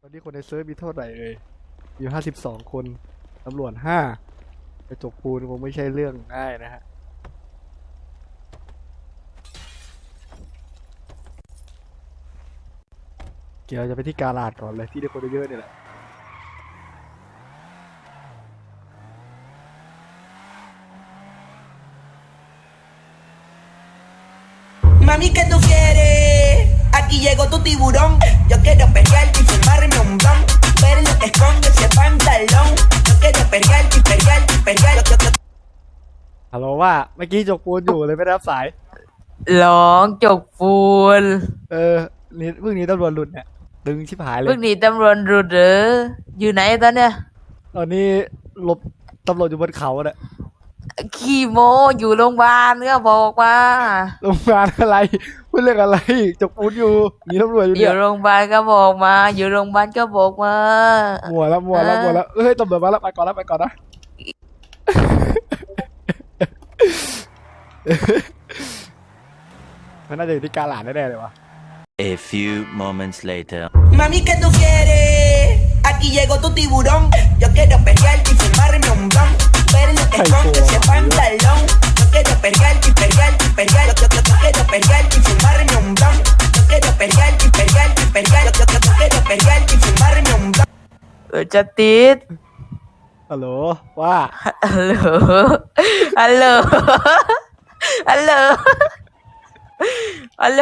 อนนี้คนในเซิร์ฟมีเท่าไหร่เลยอยู่52 คนตำรวจ5กระจกปูนคงไม่ใช่เรื่องง่ายนะฮะเกี่ยวจะไปที่กาลาดก่อนเลยที่ได้คนเยอะๆนี่แหละ Mami, ¿qué tú quieres? Aquí llegó tu tiburón. Yo quiero pegarte y fumarme un blon. Ver lo que esconde ese pantalón. Yo quiero pegarte y pegarte y pegarte. ฮัลโหลว่าเมื่อกี้จกปูนอยู่เลยไม่ได้รับสายร้องจกปูนนี่เพิ่งนี้ตำรวจหลุดเนี่ยดึงชิบหายเลเพิ่ยงหนีตำรวจรุดเหรออยู่ไหนตอนเนี้ยตอนนี้หลบตำรวจอยู่บนเขาเนี่ยขี้โมอยู่โรงพยาบาลก็บอกว่าโรงพยาบาลอะไรพูดเรื่องอะไรจกปูนอยู่หนีตำรวจอยู่อเนี่ยู่ยโรงพยาบาลก็บอกมา อยู่โรงพยาบาลก็บอกมามัวแล้วเฮ้ยตำรวจมาแล้วไปก่อนนะมันน่าจะอยู่ที่กาหลาดแน่ๆเลยวะ A few moments later. Mami, ¿qué tú quieres? Aquí llegó tu tiburón. Yo quiero pegarte y fumarme un blon. Ver lo que esconde ese pantalón. Yo quiero pegarte y pegarte y pegarte. Yo quiero pegarte y fumarme un blon. Yo quiero pegarte y pegarte y pegarte. Yo quiero pegarte y fumarme un blon. จะติดฮัลโหลว่าฮัลโหลฮัลโหลฮัลโหลฮัลโหล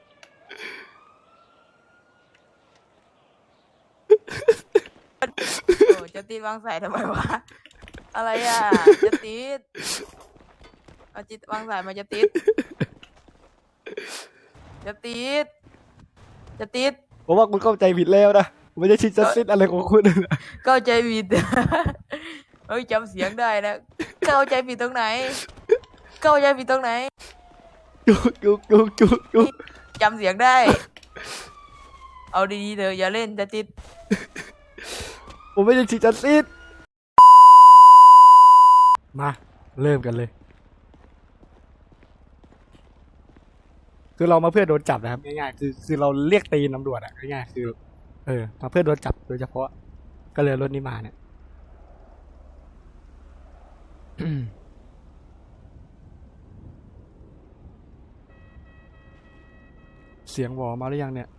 โอ้จะติดวางสายทำไมวะอะไรอ่ะจะติดเอาจิตวางสายมาจะติดจะติดจะติดผมว่าคุณเข้าใจผิดแล้วนะผมไม่ได้ชิดจัสติสอะไรของคุณนะเข้าใจผิด เฮ้ยจำเสียงได้นะเข้าใจผิดตรงไหนเข้าใจผิดตรงไหนจุกจำเสียงได้ เอาดีๆเถอะอย่าเล่นจะติดผมไม่ได้ชิดจัสติสมาเริ่มกันเลยคือเรามาเพื่อโดนจับนะครับง่ายๆคือเราเรียกตีนตำรวจอะง่ายๆคือมาเพื่อโดนจับโดยเฉพาะก็เลยรถนี้มาเนี่ย เสียงวอมาหรือยังเนี่ย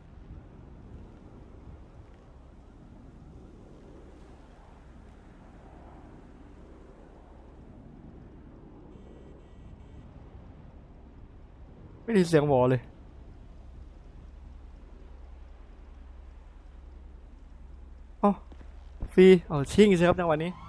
ไม่ได้เสียงวอเลยอ๋อฟรีชิ่งสิครับในวันนี้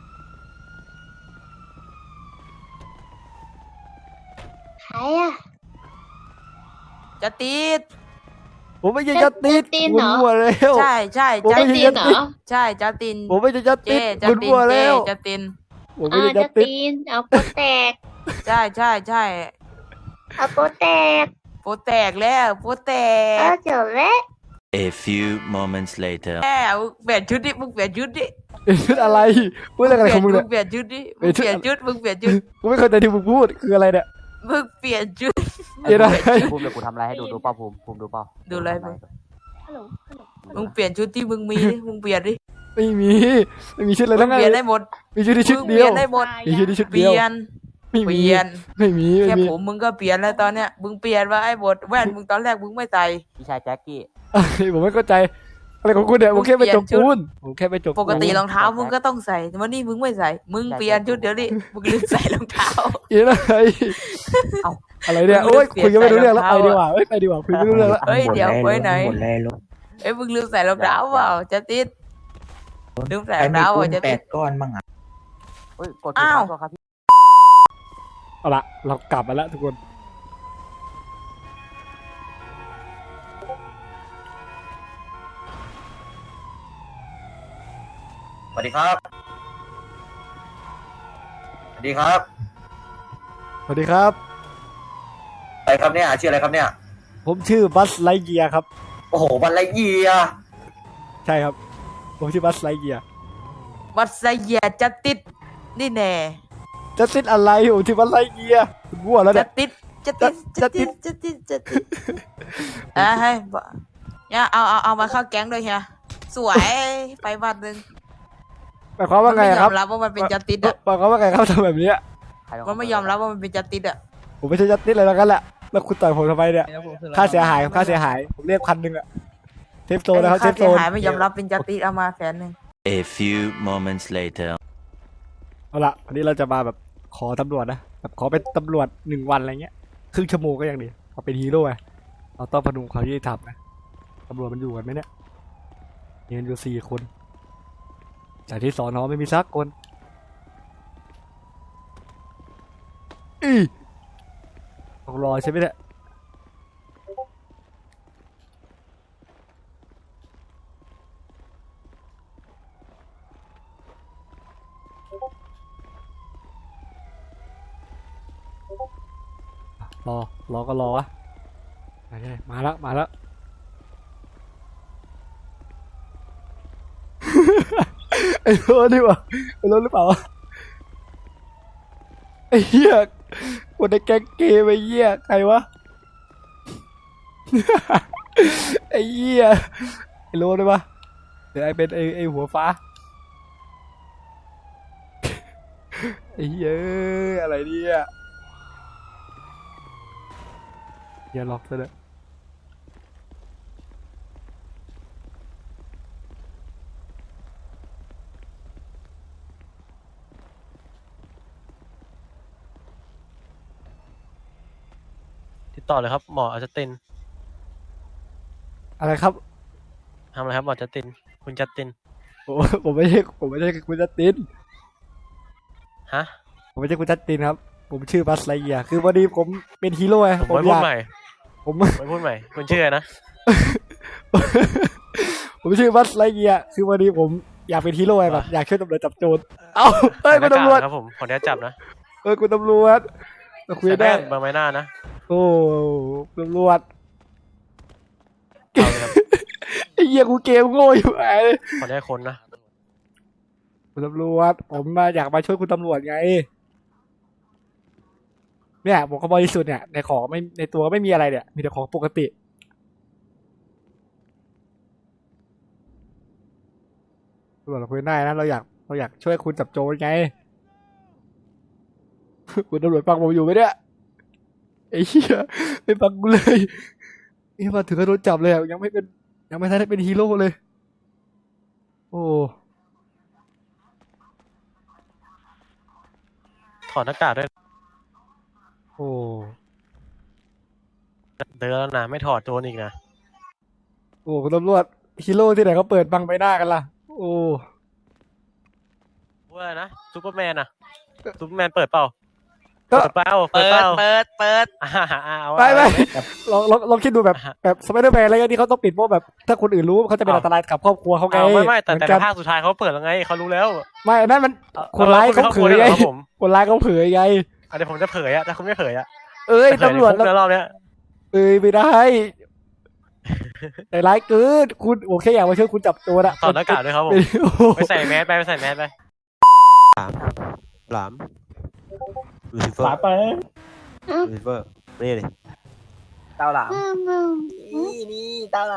ใครอะจะติดผมไม่ใช่จัสติสจัสตินคุณเหรอมั่วแล้วใช่ใช่ผมจะไม่ตีใช่นเหรอใช่จะตินผมไม่ใช่จัสเจติสจะคุณตินมั่วเจแล้วจะตินผมไม่ใช่จัจะสติสตีนเอาโปแตกใช่ใช่ใช่เอาโปแตกโปแตกแล้วโปแตเอก อจบแล้ว A few moments later. แล้วเปลี่ยนชุดดิมึงเปลี่ยนชุดดิเป็นชุดอะไรพูดเรื่องอะไรของมึงเนี่ยเปลี่ยนชุดดิเปลี่มึยงนชุดเปลี่ยนชุดมึงเปลี่ยนชุดกูไม่เข้าใจที่มึงพูดคืออะไรเนี่ยมึงเปลี่ยนชุดเดี๋ยวนะภูมิเดี๋ยวกูทำอะไรให้ดูเปล่าภูมิดูเปล่าดูอะไรมึงฮัลโหลมึงเปลี่ยนชุดที่มึงมีดิมึงเปลี่ยนดิไม่มีชุดอะไรมึทั้งงนั้นเปลี่ยนได้หมดมีชุดที่ชุดมึงเดีเปยวลี่ยนได้หมดมีชุดที่ชุดเปเดียวลี่ยนไม่เปมีลี่ยนไม่มีแค่ผมมึงก็เปลี่ยนแล้วตอนเนี้ยมึงเปลี่ยนว่าไอ้บทแว่นมึงตอนแรกมึงไม่ใส่พี่ชายแจ็คกี้ผมไม่เข้าใจอะไรของคุณเนี่ยผมแค่ไปจกปูนผมแค่ไปจกปกติรองปูนเท้ามึงก็ต้องใส่แต่วันนี้มึงไม่ใส่ มึงเปลี่ยนชุดเดี๋ยวนี้มึงลืมใส่รองเท้าอีอะไรเอ้าอะไรเนี่ยมึงโอ้ยเปลี่ยนคุยกันไม่รู้เรื่องแล้วใส่ไปรองดีกเท้าว่าไปดีกว่าคุยไม่รู้เรื่องแล้วเฮ้ยเดี๋ยวไปไหนหมดเลยลูกเอ้ยมึงลืมใส่รองเท้าเปล่าจะติดลืมใส่ใครรองมีเท้าปูอ่ะนจะแปติดดก้อนบ้างอ่ะเฮ้ยกดผิดอ้าวตัวครับพี่เอาละเรากลับมาแล้วทุกคนสวัสดีครับ สวัสดีครับสวัสดีครับอะไรครับเนี่ยชื่ออะไรครับเนี่ยผมชื่อบัสไลเกียร์ครับโอ้โหบันไลเยียใช่ครับผมชื่อบัสไลเกียร์วัดไซเยียจะติดนี่แน่จะติดอะไรผมชื่อบัสไลเกียร์คุณมั่วแล้วจะเนี่ยติดจะติดจะติดจะติดจะติดให้เนี่ยเอามาเข้าแก๊งด้วยเฮียสวยไปบัตรหนึ่งหมายความว่าไงมันไม่อะยคอรับมรับว่ามันเป็นจัสติสอะหมายความว่าไงครับทำแบบเนี้ยใครเป็นคมันไม่ยอมรับว่ามันเป็นจัสติสอะผมไม่ใช่ยัดนิดเลยแล้วกันแหละแล้วคุณต่อยผมทำไมเนี่ยค่าเสียหายครับค่าเสียหายผมเรียก1,000อะเทปโซนนะครับเทค่าปโซเสียนหายไม่ยอมรับเป็นจัสติสเอามา100,000 A few moments later. เอาละวันนี้เราจะมาแบบขอตำรวจนะแบบขอเป็นตำรวจ1 วันอะไรเงี้ยครึ่งชั่วโมงก็ยังดีเอาเป็นฮีโร่ไงเราต้องพนุงความยุติธรรมนะตำรวจมันอยู่กันไหมเนี่ยมีกันอยู่4 คนจากที่สอนอไม่มีสักคนต้องรอใช่ไหมเนี่ยรอก็รอวะมาแล้วมาแล้ว ไอ้รถนี่วะไอ้รถหรือเปล่าวะไอ้เหี้ยคนในแก๊งเกย์ไอ้เหี้ยใครวะ ไอ้เหี้ยไอ้รถได้ปะเดี๋ยวไอ้เป็นไอ้หัวฟ้า ไอ้เหี้ยอะไรเนี่ยอย่าล็อกซะเลยติดต่อเลยครับหมออาจัสตินอะไรครับทำอะไรครับหมอจัสติน คุณจัสตินผมไม่ใช่คุณจัสตินฮะผมไม่ใช่คุณจัสตินครับ ผมชื่อบัสไลเยียร์คือวันนี้ผมเป็นฮีโร่ไงผมไม่พูดใหม่ผมไม่พูดใหม่ คุณชื่ออะไรนะผมชื่อบัสไลเยียร์คือวันนี้ผมอยากเป็นฮีโร่ไงแบบอยากช่วยตำรวจจับโจรเอ้าเอ้ยคุณตำรวจครับผมขออนุญาตจับนะคุณตำรวจมาคุยใส่ได้แว่นบางใบหน้านะโอ้ตำรวจเอาเลยครับไอ้เหี้ยกูเกมโง่อยู่ไงขออนุญาตคนนะคุณตำรวจผมมาอยากมาช่วยคุณตำรวจไงเนี่ยผมก็บริสุทธิ์เนี่ยในของไม่ในตัวไม่มีอะไรเนี่ยมีแต่ของปกติตำรวจเราคุยได้นะเราอยากช่วยคุณจับโจรไง คุณตำรวจฟังผมอยู่ไหมเนี่ยไอ้เหี้ยไม่ฟังกูเลยนี่มาถึงก็โดนจับเลยอะยังไม่ทันได้เป็นฮีโร่เลย โอ้ถอดหน้ากากด้วยโอ้เดินแล้วนะ ไม่ถอดโจนอีกนะโอ้คุณตำรวจฮีโร่ที่ไหนเขาเปิดบังใบหน้ากันล่ะ โอ้ว่าอะไรนะซูเปอร์แมนอะซูเปอร์แมนเปิดเปล่าก็เปิดเปล่าเปิดเปล่าเปิดเอาไม่เอาลองคิดดูแบบสไปเดอร์แมนอะไรเงี้ยที่เขาต้องปิดเพราะแบบถ้าคนอื่นรู้เขาจะเป็นอันตรายกับครอบครัวเขาไงเอาไม่แต่เหมือนกันภาคสุดท้ายเขาเปิดแล้วไงเขารู้แล้วไม่อันนั้นมันคนร้ายเขาเผยไงครับผมคนร้ายเขาเผยไงเดี๋ยวผมจะเผยอะถ้าคุณไม่เผยอะเอ้ยจะเผยตำรวจในคุกนะรอบเนี้ยเอ้ยไม่ได้แต่ร้ายเกินคุณโอเคอยากมาช่วยคุณจับตัวนะถอดหน้ากากด้วยครับผมโอ้โหไปใส่แมสไปใส่แมสไปหลามลูซิเฟอร์ลูซิเฟอร์นี่เลยเต้าหลามนี่ใคร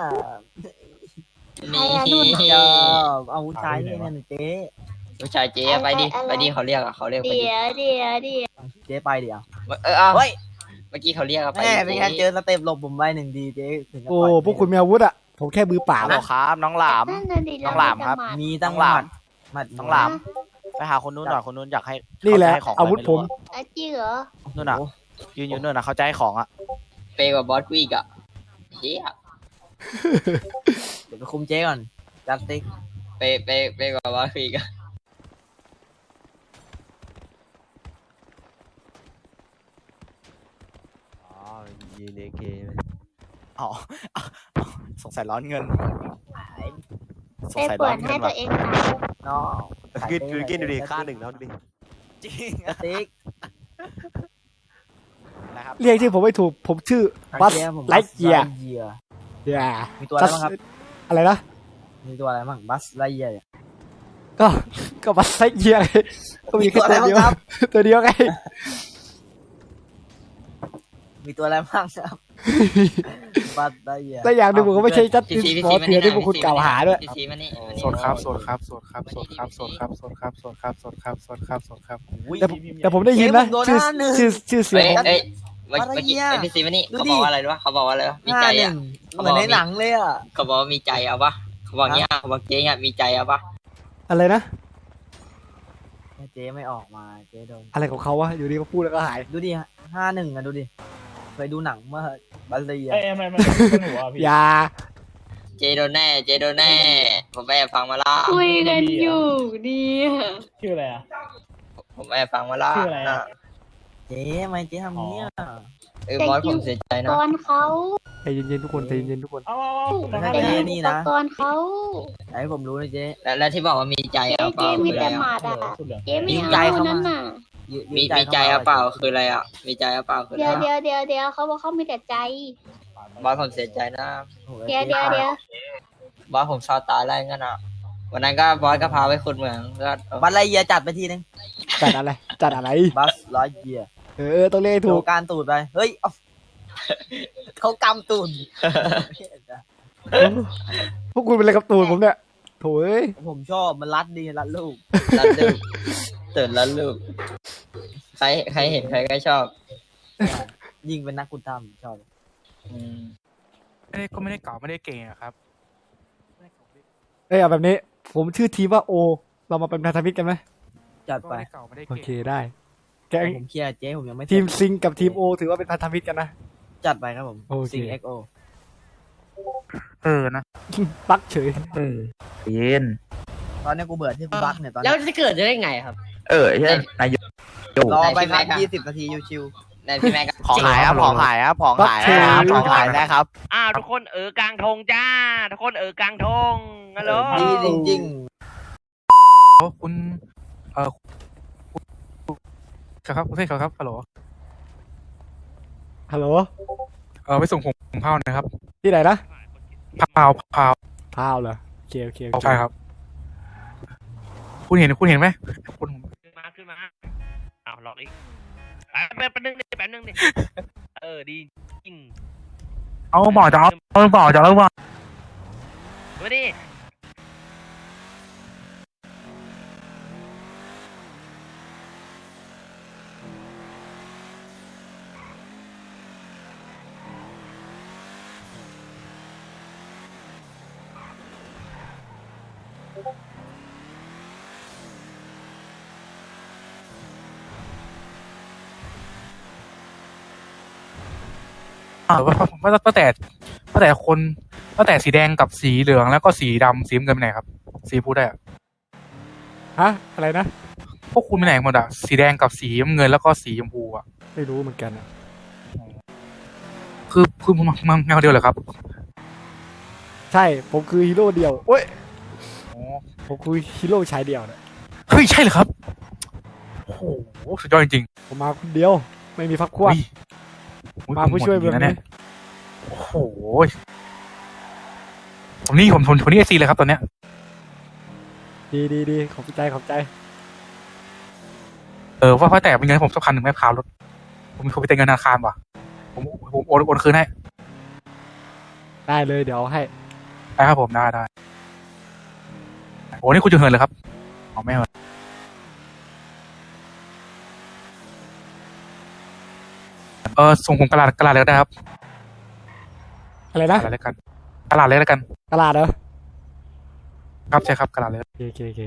อะนุ่นเอาผู้ชายนี่เนี่ยเจ๊ผู้ชายเจ๊ไปดิไปดิเขาเรียกอะเขาเรียกไปดิเดี๋ยวเจ๊ไปเดี๋ยวเอาเฮ้ยเมื่อกี้เขาเรียกอะไปแม่ดิเป็นไงเจอสเต็ปหลบผมไป1 ทีเจ๊ถึงจะโอ้ปล่อยพวกคุณมีอาวุธอ่ะผมแค่มือเปล่าฮัลโหลครับน้องหลามนั่นน่ะดิน้องหลามครับเามีตั้งหลามหมัดน้องหลาม ไปหาคนนู้นหน่อยคนนู้นอยากให้นี่แหละเขาจให้ของอาวุธผมอ่ะจริงเหรอนู่นน่ะยืนอยู่นู่นน่ะเขาจะให้ของอ่ะเปย์กว่าบอสกูอีกอะเฮียเดี๋ยวไปคุมเจ๊ก่อนจัดติ๊กเปย์กว่าบอสกูอีกอะอ๋อยืนเอเคอ๋อสงสัยร้อนเงินสงไปสัยเปิร้อดนให้เงินตัว่ะวเองขายน้องกินดูดิค่า1แล้วดูดิจริงจัดติ๊กนะครับเรียกชื่อผมไม่ถูกผมชื่อบัสเจ๊ผมไลท์เกียร์เยียร์อย่ามีตัวอะไรบ้างครับอะไรนะมีตัวอะไรบ้างบัสไลเยียร์เนี่ยก็บัสไลท์เยียร์ไงก็มีแค่มีตัวอะไรตัวเดียวบ้างครับตัวเดียวไงมีตัวอะไรบ้างครับบัสไล่เหี้ยแต่อย่างหนึ่งผมก็ไม่ใช่จัดพี่ตินซีพี่ขอซีเสียที่พวกคุณกล่าวหาด้วยพี่ซีมานี่โสดครับโสดครับโสดครับโสดครับโสดครับโสดครับโสดครับโสดครับโสดครับโสดครับอุ้ยแต่ผมได้ยินนะชื่อเสียงเอ้ยของเอ้ยเมื่อกี้อะไรเนี่ยพี่ซีมานี่ดูเขาดิบอกว่าอะไรรู้ปะเขาบอกว่าอะไรวะมีใจอ่ะเหมือนในหนังเลยอ่ะเขาบอกว่ามีใจเอาปะเขาบอกเงี้ยเขาบอกเจ๊เงี้ยมีใจเอาปะอะไรนะเจ๊ไม่ออกมาเจ๊โดนอะไรของเขาวะอยู่ดีก็พูดแล้วก็หายดูดิ51อ่ะดูดิเคยดูหนังเมื่อบัสเลยอ่ะมันเป็นหัวพี่อย่าเจ๊โดนแน่เจ๊โดนแน่ผมไปแอบฟังมาละคุยกันอยู่ดีชื่ออะไรอ่ะผมแอบฟังมาละชื่ออะไรอะเจ๊ทำไมเจ๊ทำเนี้ยบอสผมเสียใจนะก่อนเขาใจเย็นๆทุกคนใจเย็นๆทุกคนเอาไม่ใช่แต่เจ๊ยืนี่นนะก่อนเขาไหนให้ผมรู้นะเจ๊แล้วที่บอกว่ามีใจเจ๊เอาเปเจ๊ล่ามีคืออะไรแต่หอะมาดอ่ะเจ๊ไม่มีเอาใจเข้ามานั่นน่ะมีใจเอาเปล่าคืออะไรอ่ะมีใจเอาเปล่าคืออะไรเดี๋ยวอะเดี๋ยวเดี๋ยวเดี๋ยวเขาบอกเขามีแต่ใจบอสผมเสียใจนะเดี๋ยวเดี๋ยวเดี๋ยวบอสผมเศร้าตายแล้วงั้นอ่ะวันนั้นก็บอสก็พาไปขุดเหมืองก็บัสไล่เยียจัดไปทีนึงจัดอะไรจัดอะไรบัสไล่เยียต้องเรียกให้ถูถูกกการตูดไปเฮ้ยเอาเขากำตูดพวกคุณเป็นอะไรกับตูนผมเนี่ยโถ่เอ้ยผมชอบมันรัดดีรัดลูกรันลูกตื่นรันลูกใครเห็นใครก็ชอบยิงเป็นนักกุณธรรมชอบอืมก็ไม่ได้เก่าไม่ได้เก่งอะครับเอ้ยเอาแบบนี้ ผมชื่อทีมว่าโอ เรามาเป็นพันธมิตรกันไหมจัดก็ไปไม่ได้เก่าไม่ได้โอเก่งเคได้แกงผมเคลียร์เจ๊ผมยังไม่เสร็จทีมซิงกับทีมโอถือว่าเป็นพันธมิตรกันนะจัดไปครับผมโอเคซิงเอ็กโอนะปักเฉยเย็นตอนนี้กูเบื่อที่กูบักเนี่ยตอนแล้วนี้จะเกิดได้ไงครับใช่นายกรอไปไหนครับพี่แม็กอะ 20 นาทีชิวในพี่แม็กก็ของหายครับของหายครับของหายครับของหายได้ครับอ้าวทุกคนกลางธงจ้า ทุกคนกลางธงฮัลโหลๆดีจริงคุณครับคุณเทพครับฮัลโหลฮัลโหลไปส่งผมเผาหนะครับที่ไหนนะเผาพาวเหรอโอเคโอเคโอเคใช่ครับ คุณเห็นไหมคุณขึ้นมาอ้าวหลอกอีกแป๊บนึงดิดีจริงเอาบ่อจะเอาบ่อจะเอาบ่อมาดิว่าตั้งแต่สีแดงกับสีเหลืองแล้วก็สีดำสีน้ำเงินไปไหนครับ สีพูดได้อะฮะอะไรนะพวกคุณไปไหนหมดอะสีแดงกับสีน้ำเงินแล้วก็สีชมพูอะไม่รู้เหมือนกันอะคือมันแนวเดียวเหรอครับใช่ผมคือฮีโร่เดียวโอ้ยอ๋อผมคือฮีโร่ชายเดียวนะเฮ้ยใช่เหรอครับโอ้โหสุดยอดจริงผมมาคนเดียว ไม่มีพักพๆวกอุ๊มาผู้ช่วยผเมืองนะนี้เนี่ยโอ้โหผมนี่เอซีเลยครับตอนเนี้ยดีขอบใจขอบใจว่าแต่เป็นเงินผมสักพันหนึ่งไม่พารถผมมีคนไปเติมเงินธนาคารว่ะผมโอนคืนให้ได้เลยเดี๋ยวให้ได้ครับผมได้โอ้นี่คุณจะเหินเลยครับอ๋อไม่เหินส่งผมกระดาษเลยก็ได้ครับอะไรกนะระดาษเลยกันกระดาษเลยแล้วกันตลาดเหรอครับใช่ครับกระดาษเลยโอเค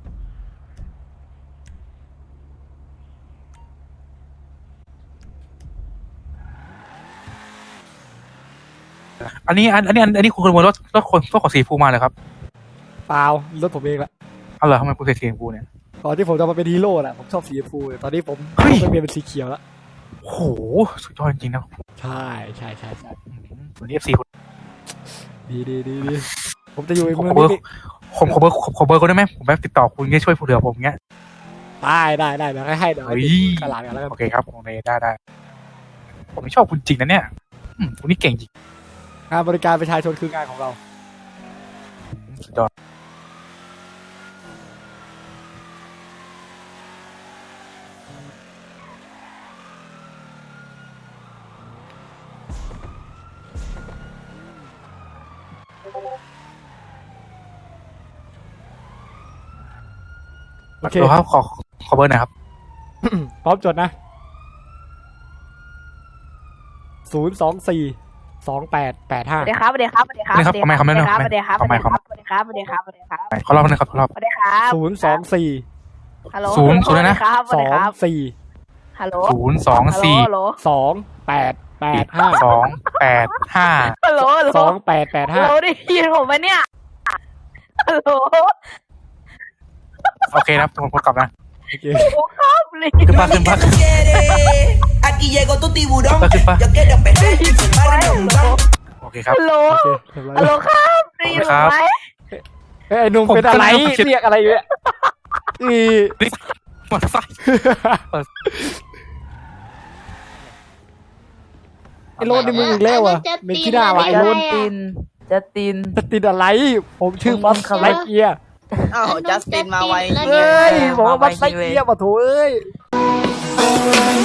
อันนี้คุณขโมยรถของสีฟูมาเลยครับเปล่ารถผมเองละเอาเหรอทำไมคุณใส่สีฟูเนี่ยตอนที่ผมจะมาเป็นฮีโร่น่ะผมชอบสีชมพูตอนนี้ผมเฮ้ยไปเปลี่ยนเป็นสีเขียวแล้วโอ้โหสุดยอดจริงๆนะใช่วันนี้ FC ดีผมจะอยู่ในผมเมืองขอเบอร์นี้ผมขอเบอร์เขาได้ไหมผมแบบติดต่อคุณช่วยผู้เหลือผมเงี้ยได้เดี๋ยวให้เดี๋ยวเฮ้ยตลาดกันแล้วกันโอเคครับโอเคได้ผมชอบคุณจริงนะเนี่ยคุณนี่เก่งจริงงานบริการประชาชนคืองานของเราสุดยอดโอเคครับขอเบอร์หน่อยครับพร้อมจดนะ0242885 สวัสดีครับสวัสดีครับสวัสดีครับนี่ครับทำไมครับสวัสดีครับทำไมสวัสดีครับทำไมสวัสดีครับสวัสดีครับสวัสดีครับสวัสดีครับขอรอบนึงครับขอรอบสวัสดีครับ 024 ฮัลโหลศูนย์เลยนะครับสวัสดีครับ 24 ฮัลโหล 024 ฮัลโหล 2885 285 ฮัลโหลฮัลโหลฮัลโหล 2885 ได้ยินผมไหมเนี่ยฮัลโหลโอเคครับผมกลับนะโอเคครับเลยขึ้นมา Mami, ขึ้น ¿qué มา tú quieres? Aquí llegó tu tiburón. Disculpa. Yo quiero perder y fumarme un blon. โอเคครับฮัลโหลโอเคเรียบร้อยฮัลโหลครับได้ยินผมไหมเอ้ยไอ้หนุ่มเป็นอะไรเรียกอะไรเนี่ยอีมอเตอร์ไซค์ไอ้โรดในมึงอีกแล้วอ่ะเมนขี้หน้าวะไอ้โรดจัสตินจะติดอะไร ผมชื่อบัสไลเกียร์อ้าวจัสตินมาไวแล้วเฮ้เนี่ยยบอกว่าบัสไลเกียร์มาโถเอ้ย